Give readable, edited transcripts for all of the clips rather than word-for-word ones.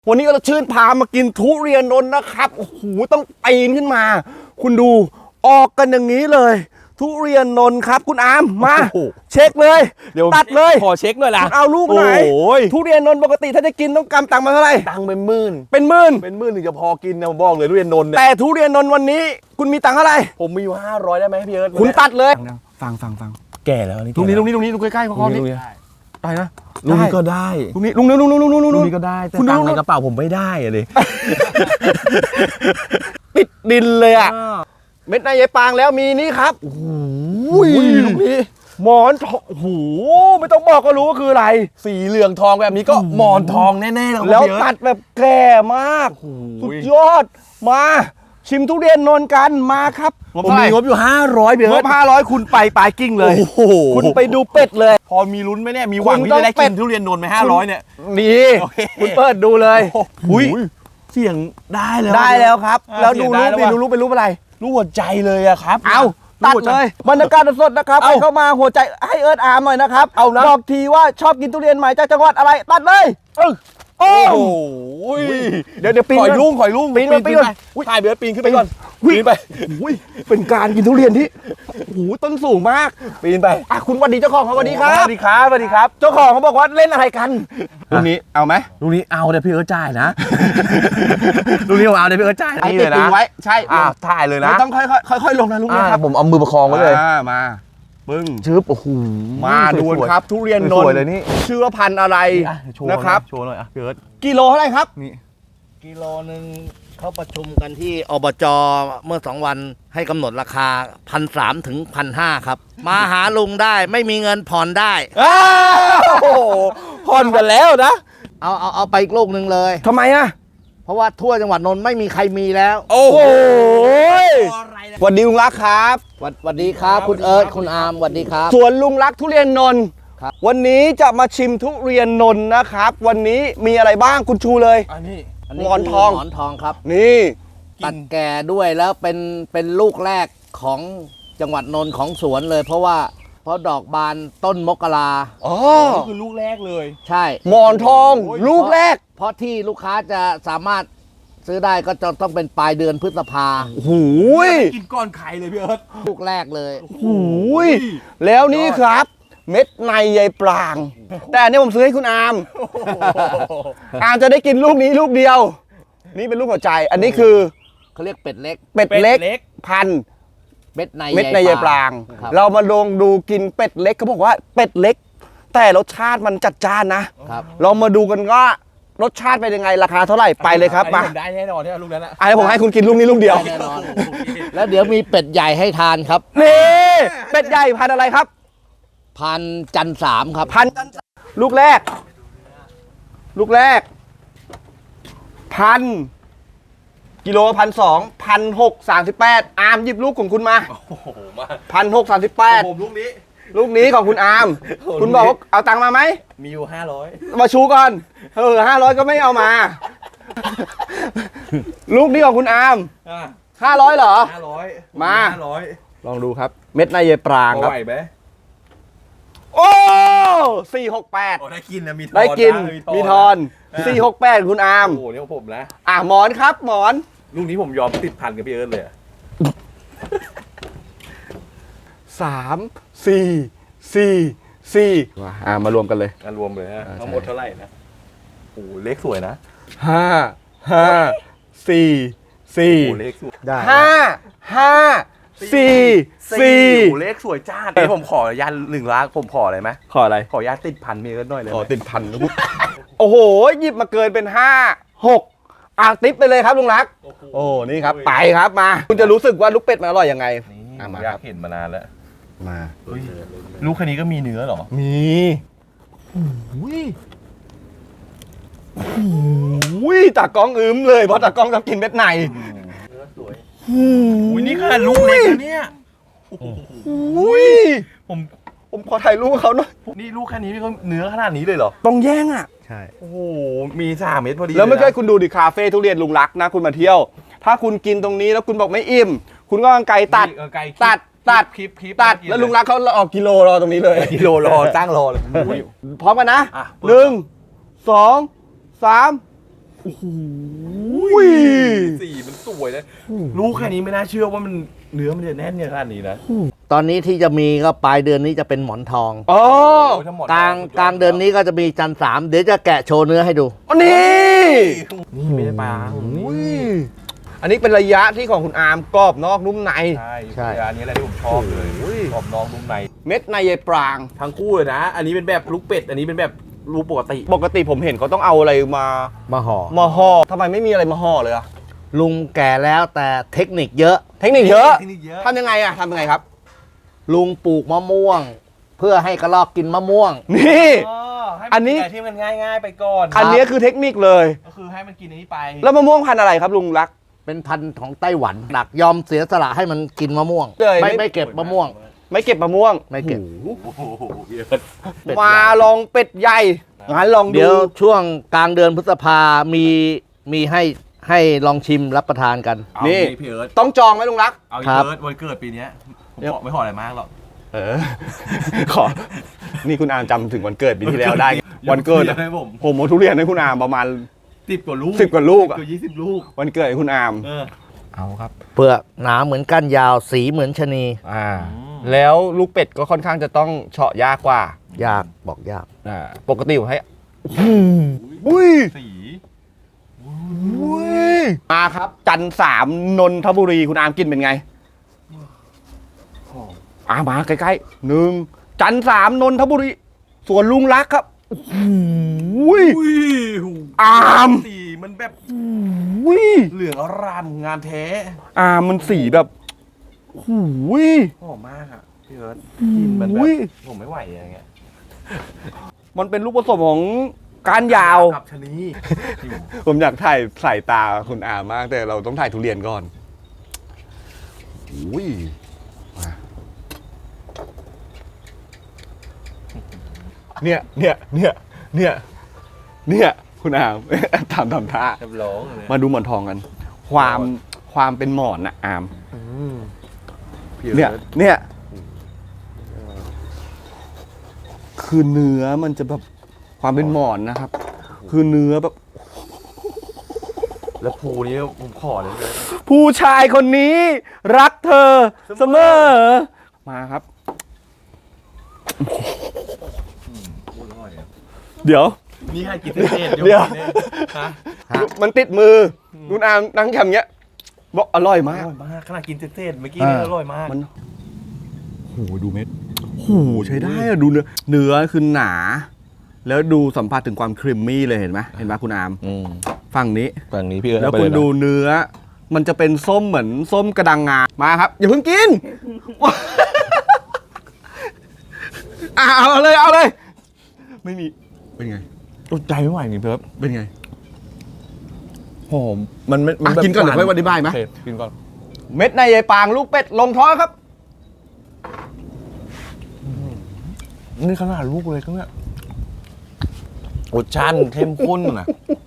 วันนี้เราชื่นพามากินทุเรียนนนท์นะครับโอ้โหต้องปีนขึ้นมา คุณดูออกกันอย่างนี้เลย ทุเรียนนนท์ครับคุณอามมาเช็คเลยตัดเลยขอเช็คหน่อยละคุณเอาลูกไหนทุเรียนนนท์ปกติถ้าจะกินต้องกำตังค์มาเท่าไหร่ตังค์เป็นหมื่นถึงจะพอกินนะผมบอกเลยทุเรียนนนท์เนี่ยแต่ทุเรียนนนท์วันนี้คุณมีตังค์เท่าไหร่ผมมีอยู่500ได้ไหมพี่เอิร์ธคุณตัดเลยฟังแก่แล้วนี่ตรงนี้ใกล้ๆคอนี้ได้นะลุงนี้ก็ได้ลุงนี้ก็ได้แต่ตังค์ในกระเป๋าผมไม่ได้อะดิติดดินเลยอ่ะเม็ดในยายปางแล้วมีนี่ครับโอ้โหลูกนี้หมอนทองโอ้โหไม่ต้องบอกก็รู้ว่าคืออะไรสีเหลืองทองแบบนี้ก็หมอนทองแน่ๆแล้วตัดแบบแก่มากสุดยอดมาชิมทุเรียนนนท์กันมาครับผมมีงบอยู่500เบียร์งบ500คุณไปปลายกิ้งเลยคุณไปดูเป็ดเลยพอมีลุ้นไหมเนี่ยมีหวังที่จะได้กินทุเรียนนนท์ไหม500เนี่ยนี่คุณเปิดดูเลยเสียงได้แล้วครับแล้วดูรูปดิดูรูปเป็นรูปอะไรรูปหัวใจเลยอะครับเอาตัดเลยบรรยากาศสดนะครับเข้ามาหัวใจให้เอิร์ธอาร์มหน่อยนะครับเอานะบอกทีว่าชอบกินทุเรียนใหม่จากจังหวัดอะไรตัดเลยโอ้โหเดี๋ยวปีนข่อยลุงปีนถ่ายเบียร์ปีนขึ้นไปก่อนปีนไปเป็นการกินทุเรียนที่โอ้โหต้นสูงมากปีนไปคุณวันดีเจ้าของเขาวันดีครับสวัสดีครับเจ้าของเขาบอกว่าเล่นอะไรกันลูกนี้เอาไหมลูกนี้เอาเดี๋ยวพี่เอิร์ธจ่ายนะลูกนี้ผมเอาเดี๋ยวพี่เอิร์ธจ่ายนี่เลยนะใช่ถ่ายเลยนะต้องค่อยลงนะลูกนี้ครับผมเอามือประคองไว้เลยมาปึ้งชึบโอ้โหมาดูครับทุเรียนนนท์ชื่อว่าพันธุ์อะไรนะครับโชว์หน่อยพี่เอิร์ธกิโลเท่าไหร่ครับนี่กิโลนึงเขาประชุมกันที่อบจเมื่อ2 วันให้กำหนดราคา 1,300 ถึง 1,500 ครับมาหาลุงได้ไม่มีเงินผ่อนได้ผ่อนกันแล้วนะเอาไปอีกลูกนึงเลยทำไมอ่ะเพราะว่าทั่วจังหวัดนนท์ไม่มีใครมีแล้วโอ้โหสวัสดีลุงรักครับสวัสดีครับคุณเอิร์ธคุณอาร์มสวัสดีครับสวนลุงรักทุเรียนนนท์วันนี้จะมาชิมทุเรียนนนท์นะครับวันนี้มีอะไรบ้างคุณชูเลยหมอนทองครับนี่ตัดแก่ด้วยแล้วเป็นลูกแรกของจังหวัดนนท์ของสวนเลยเพราะดอกบานต้นมกรานี่คือลูกแรกเลยใช่หมอนทองลูกแรกเพราะที่ลูกค้าจะสามารถซื้อได้ก็จะต้องเป็นปลายเดือนพฤษภาหูยกินก้อนไข่เลยพี่เอิร์ธลูกแรกเลยหูยแล้วนี่ครับเม็ดในใยปรางแต่อันนี้ผมซื้อให้คุณอาร์มจะได้กินลูกนี้ลูกเดียวนี่เป็นลูกหัวใจอันนี้คือเขาเรียกเป็ดเล็กพันเม็ดในใยปรางเรามาลองดูกินเป็ดเล็กเขาบอกว่าเป็ดเล็กแต่รสชาติมันจัดจ้านนะเรามาดูกันว่ารสชาติเป็นยังไงราคาเท่าไหร่ไปเลยครับมาได้แน่นอนที่ลูกนั้นอ่ะผมให้คุณกินลูกนี้ลูกเดียวแน่นอนแล้วเดี๋ยวมีเป็ดใหญ่ให้ทานครับนี่เป็ดใหญ่พันอะไรครับพันจันทร์3ครับพันลูกแรกพันกิโล1,200 1,638อาร์มหยิบลูกของคุณมา1,638ลูกนี้ของคุณอาร์มคุณบอกว่าเอาตังค์มาไหมมีอยู่500 มาชูก่อน500ก็ไม่เอามาลูกนี้ของคุณอาร์ม500เหรอ 500 มาลองดูครับเม็ดในเยปรางครับไหวไหมโอ้468 ได้กินนะได้กินมีทอน468คุณอาร์มโอ้เนี่ยผมนะหมอนครับหมอนลูกนี้ผมยอมติดพันกับพี่เอิร์ธเลย 3 4 4มารวมกันเลยรวมเลยฮะทั้งหมดเท่าไหร่นะโอ้เลขสวยนะ 5 4 เลขสวยได้5 4 เลขสวยจ้าเดี๋ยวผมขอยัน1 ล้านผมขออะไรไหมขออะไรขอยันติดพันมีกันหน่อยเลยติดพันโอ้โหหยิบมาเกินเป็น5 6ติ๊บไปเลยครับลุงรักโอ้นี่ครับไปครับมาคุณจะรู้สึกว่าลูกเป็ดมันอร่อยยังไงอยากเห็นมานานแล้วมาลูกแค่นี้ก็มีเนื้อหรอมีตากล้องอึ้มเลยเพราะตากล้องชอบกินเม็ดในเนื้อสวยนี่ขนาดลูกเล็กนะเนี่ยผมขอถ่ายรูปเขาหน่อยนี่ลูกแค่นี้พี่เขาเนื้อขนาดนี้เลยเหรอต้องแย่งใช่โอ้โหมี3 เม็ดพอดีแล้วไม่ใช่คุณดูดิคาเฟ่ทุเรียนลุงรักนะคุณมาเที่ยวถ้าคุณกินตรงนี้แล้วคุณบอกไม่อิ่มคุณก็ไก่ตัดแล้วลุงรักเขาออกกิโลรอตรงนี้เลยกิโลรอตั้งรอเลยพร้อมกันนะ1 2 3 อุ้ยสีมันสวยนะรู้แค่นี้ไม่น่าเชื่อว่ามันเนื้อมันจะแน่นขนาดนี้นะตอนนี้ที่จะมีก็ปลายเดือนนี้จะเป็นหมอนทองอ๋อกลางเดือนนี้ก็จะมีจันทร์สามเดี๋ยวจะแกะโชว์เนื้อให้ดูอันนี้นี่ไม่ได้ปางอุ้ยอันนี้เป็นระยะที่ของคุณอาร์มกรอบนอกนุ่มในใช่ใช่อันนี้แหละที่ผมชอบเลยกรอบน้องนุ่มในเม็ดในยายปรางทั้งคู่เลยนะ อันนี้เป็นแบบลูกเป็ดอันนี้เป็นแบบลูกปกติปกติผมเห็นเขาต้องเอาอะไรมามาห่อมาห่อทำไมไม่มีอะไรมาห่อเลยอะลุงแก่แล้วแต่เทคนิคเยอะเทคนิคเยอะเทคนิคเยอะทำยังไงอะทำยังไงครับลุงปลูกมะม่วง เพื่อให้กระรอกกินมะม่วงนี่ให้อันนี้มัที่มันง่ายๆไปก่อนอันนี้คือเทคนิคเลยก็คือให้มันกินอันนี้ไปแล้วมะม่วงพันธุ์อะไรครับลุงรักเป็นพันธุ์ของไต้หวันดักยอมเสียสละให้มันกินมะม่วงเลยไม่ไม่เก็บมะม่วงไม่เก็บมะม่วงไม่เก็บโอ้โหเยอะเป็ดมาใหญ่ลองเป็ดใหญ่งั้นลองเดี๋ดูยวช่วงกลางเดือนพฤษภามีให้ลองชิมรับประทานกันเอานี่พี่เอิร์ธต้องจองไหมลุงรักเอาครับเอิร์ธวันเกิดปีเนี้ยผมบอกไม่ขออะไรมากหรอกขอ นี่คุณอามจำถึงวันเกิดปีที่แล้วได้ วันเกิดยกให้ผมผมเอาทุเรียนให้คุณอามประมาณ 10 กว่าลูก 10 กว่าลูกอะเกือบ20 ลูกวันเกิดให้คุณอามเอาครับเปลือกหนาเหมือนก้านยาวสีเหมือนชะนีแล้วลูกเป็ดก็ค่อนข้างจะต้องเฉาะยากกว่ายากบอกยากปกติผมให้อุ้ยสีมาครับ จันทร์สามนนทบุรีคุณอามกินเป็นไงมาใกล้ๆหนึ่งจันทร์สามนนทบุรีสวนลุงรักครับอุ้ยอุ้ยอามสีมันแบบอุ้ยเหลืองอร่ามงามแท้มันสีแบบหูยหอมมากอ่ะพี่เอิร์ธกินมันแบอุ้บยผมไม่ไหวอย่างเงี้ยมันเป็นลูกผสมของก้านยาวกับชะนีผมอยากถ่ายสายตาคุณอามาก แต่เราต้องถ่ายทุเรียนก่อนอุ้ยมาเนี่ยคุณอาม ทำท่าเรียบร้อยเลยมาดูหมอนทองกัน ความเป็นหมอนนะอามพี่เนี่ยอิร์ธเนี่ยคือเนื้อมันจะแบบความเป็นหมอนนะครับ คือเนื้อแบบแล้วภูนี้ผมขอเลยพี่เอิร์ธผู้ชายคนนี้รักเธอเสมอ มาครับพูดอร่อยอะเดี๋ยวนี่ให้กินเศษเดี๋ยวฮะมันติดมือคุณอามนั่งแคมเงี้ยบอกอร่อยอมากร่อยมากขนาดกินเศษเมื่อกี้นี่อร่อยมากมันโหดูเม็ดโหใช้ได้อะดูเนื้อคือหนา แล้วดูสัมผัสถึงความครีมมี่เลยเห็นไหมคุณอามฝั่งนี้ฝั่งนี้พี่เอิร์ธแล้วคุณดูเนื้อ มันจะเป็นส้มเหมือนส้มกระดังงา มาครับ อย่าเพิ่งกิน เอาเลย ไม่มี เป็นไงอดใจไม่ไหวจริงๆพี่เอิร์ธเป็นไงหอมมันกินก่อนเดี๋ยวค่อยอธิบายไหมโอเคกินก่อนเม็ดในยายปางลูกเป็ดลงท้องครับนี่ขนาดลูกเลยก็เนี่ยรสชาติเข้มข้นนะ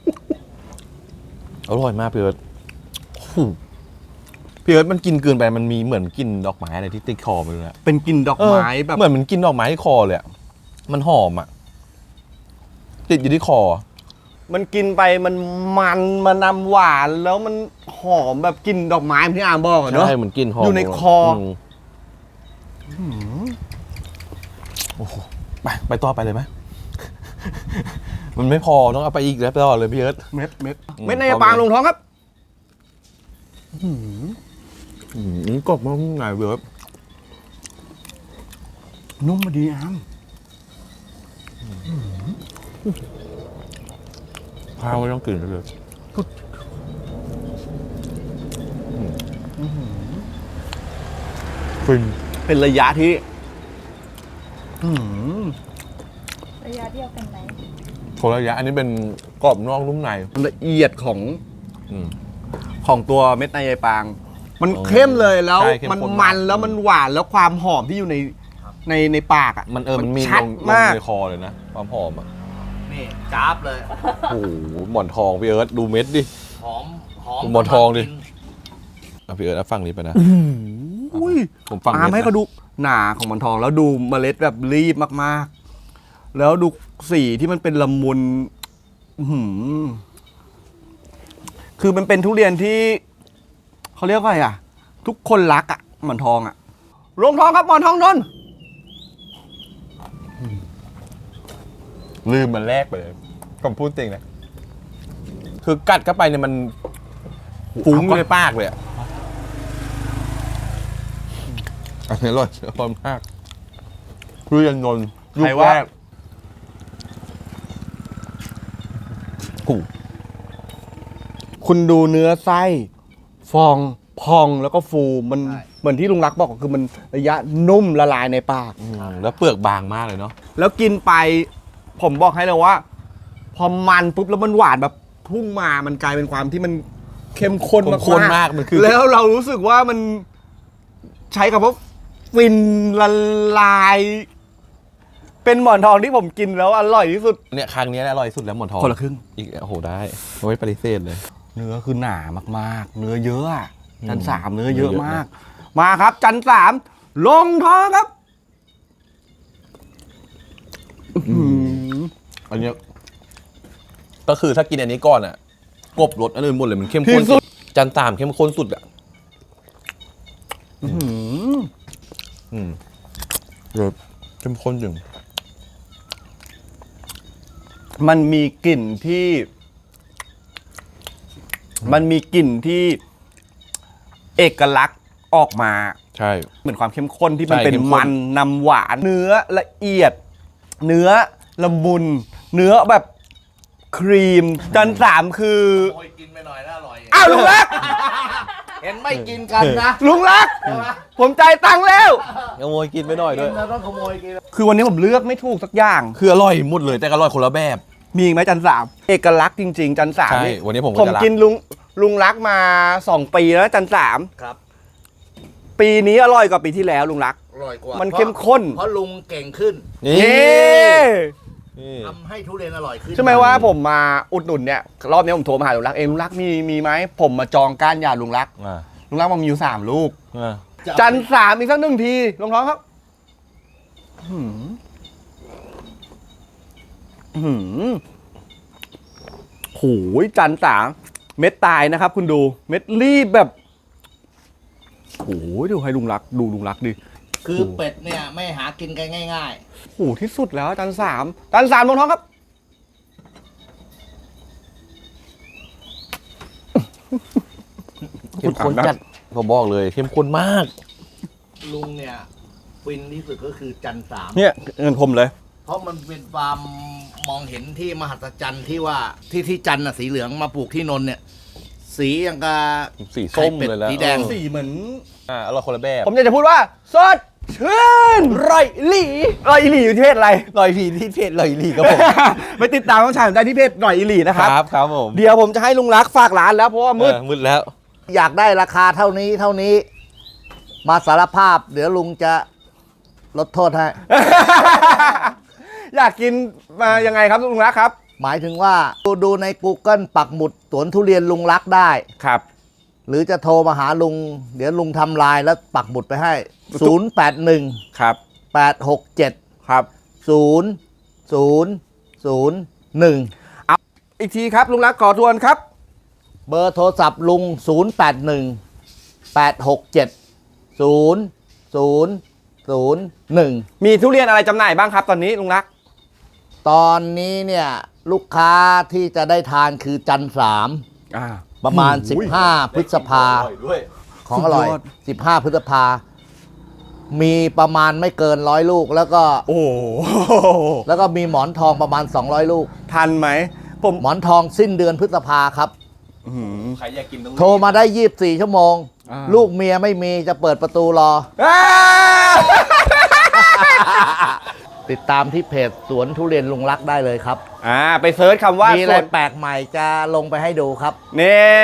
อร่อยมากพี่เอิร์ธโอ้โหพี่เอิร์ธมันกินเกินไปมันมีเหมือนกินดอกไม้อะไรที่ติดคอไปเลยอะเป็นกลิ่นดอกไม้แบบเหมือนมันกินดอกไม้ที่คอเลยอะมันหอมอ่ะติดอยู่ที่คอมันกินไปมันนำหวานแล้วมันหอมแบบกลิ่นดอกไม้เหมือนที่อามบอกอะเนอะใช่เหมือนกินหอมอยู่ในคอโอ้โหไปต่อไปเลยไหม มันไม่พอต้องเอาไปอีกแล้วไปต่อเลยพี่เอิร์ธเม็ดเม็ดในยายปางลงท้องครับกรอบมากไงพี่เอิร์ธนุ่มมาดีอามข้าวไม่ต้องกินเลยฟินเป็นระยะที่ระยะเดียวกันไหมคนละระยะอันนี้เป็นกรอบนอกนุ่มในละเอียดของอืมของตัวเม็ดในยายปาง มันอ๋อเข้มเลยแล้วใช่เข้มมันข้นมัมากนแล้วมันหวานแล้วความหอมที่อยู่ในปากอ่ะมันมีชัดลงมากในคอเลยนะความหอมอ่ะนี่จ้าบเลยโอ้โหหมอนทองพี่เอิร์ธดูเม็ดดิหอมหมอนทองดิ เอาพี่เอิร์ธเอาฟังนี้ไปนะอุ้ยผมฟังอาเม็ดให้นะเขาดูหนาของมันทองแล้วดูเมล็ดแบบรีบมากๆ แล้วดูสีที่มันเป็นละมุนอื้อหือคือมันเป็นทุเรียนที่เขาเรียกว่าอะไรอ่ะ ทุกคนรักอ่ะหมอนทองอ่ะลงทองครับหมอนทองนนท์ลืมมันแรกไปเลยผมพูดจริงนะคือกัดเข้าไปเนี่ยมันฟุ้งอยู่ในปากเลยอะอันนี้อร่อยอร่อยมากทุเรียนนนท์ลูกแรกโอ้คุณดูเนื้อไส้ฟองพองแล้วก็ฟูมันเหมือนที่ลุงรักบอกคือมันระยะนุ่มละลายในปากแล้วเปลือกบางมากเลยเนาะแล้วกินไปผมบอกให้เลยว่า พอมันปุ๊บแล้วมันหวานแบบพุ่งมามันกลายเป็นความที่มันเข้มข้นข้นมากมันคือแล้วเรารู้สึกว่ามันใช้คำว่าฟินละลาย เป็นหมอนทองที่ผมกินแล้วอร่อยที่สุดเนี่ยครั้งนี้อร่อยสุดแล้วหมอนทองคนละครึ่งอีกโอ้โหได้ไม่ปฏิเสธเลยเนื้อคือหนามากๆ เนื้อเยอะอะจันสามอืมเนื้อเยอะเนื้อเยอะมาก มาครับ จันสามลงท้องครับอันเนี้ยก็คือถ้ากินอันนี้ก่อนอ่ะกลบรสอันอื่นหมดเลยมันเข้มข้นที่สุดจันตามเข้มข้นสุดอ่ะรสเข้มข้นจริงมันมีกลิ่นที่ มันมีกลิ่นที่เอกลักษณ์ออกมาใช่เหมือนความเข้มข้นที่มันใช่เป็นเข้มข้นมันนำหวาน เนื้อละเอียด เนื้อละมุน เนื้อแบบครีม จันสามคือโอยกินไปหน่อยแล้วอร่อยอ้าวลุงรักเห็นไม่กินกันนะลุงรัก ผมจ่ายตังค์แล้วขโมยกินไปหน่อยด้วยเราต้องขโมยกินคือวันนี้ผมเลือกไม่ถูกสักอย่างคืออร่อยหมดเลยแต่อร่อยคนละแบบมีอีกไหมจันสามเอกลักษณ์จริง ๆ จันสามใช่นี่วันนี้ผมก็ผมจะรักกินลุงรักมา 2 ปีแล้วจันสามครับปีนี้อร่อยกว่าปีที่แล้วลุงรักอร่อยกว่ามัมันเข้มข้นเพราะลุงเก่งขึ้นนี่เย้นี่ทำให้ทุเรียนอร่อยขึ้นใช่ไหมว่าผมมาอุดหนุนเนี่ยรอบนี้ผมโทรมาหาลุงรักลุงรักมีไหมผมมาจองก้านยาลุงรักอ่าลุงรักมันมีอยู่3 ลูกอ่าจันสามอีกสัก1 ทีลงท้องครับหืมหืมโหยจันสามเม็ดตายนะครับ คุณดูเม็ดรีบแบบโหยดูให้ลุงรักดูลุงรักดิคือเป็ดเนี่ยไม่หากินกันง่ายโหที่สุดแล้วจันสามลงท้องครับเข้มข้นจัดผมบอกเลยเข้มข้นมากๆ ลุงเนี่ยฟินที่สุดก็คือจันสามเนี่ยเงินผมเลยเพราะมันเป็นความมองเห็นที่มหัศจรรย์ที่ว่าที่จันทร์น่ะสีเหลืองมาปลูกที่นนท์เนี่ย สีอย่างกับสีส้มเลยแล้วสีแดงสีเหมือนอร่อยคนละแบบผมอยากจะพูดว่าสดชื่นร่อยหลีอยู่ที่เพจอะไรลอยพีที่เพจลอยลีครับผมไปติดตามน้องชายผมได้ที่เพจร่อยหลีนะครับครับผมเดี๋ยวผมจะให้ลุงรักฝากร้านแล้วเพราะว่ามืดมืดแล้วอยากได้ราคาเท่านี้ มาสารภาพ เดี๋ยวลุงจะลดโทษให้อยากกินมายังไงครับลุงรักครับหมายถึงว่าดูใน Google ปักหมุดสวนทุเรียนลุงรักได้ครับหรือจะโทรมาหาลุง เดี๋ยวลุงทำลายแล้วปักหมุดไปให้ 081 ครับ 867 ครับ 0001 อีกทีครับลุงรักขอทวนครับเบอร์โทรศัพท์ลุง 081 867 0001 มีทุเรียนอะไรจำหน่ายบ้างครับตอนนี้ลุงรักตอนนี้เนี่ยลูกค้าที่จะได้ทานคือจันทร์3ประมาณ 15 พฤษภาของอร่อยสุดยอด 15 พฤษภา มีประมาณไม่เกิน100 ลูก แล้วก็โอ้โหแล้วก็มีหมอนทองประมาณ 200 ลูกทันไหมผมหมอนทองสิ้นเดือนพฤษภาครับใครอยากกินต้องโทรมาได้ 24 ชั่วโมงอ่าลูกเมียไม่มีจะเปิดประตูรออ้าติดตามที่เพจสวนทุเรียนลุงรักได้เลยครับไปเซิร์ชคำว่ามีอะไรสดแปลกใหม่จะลงไปให้ดูครับนี่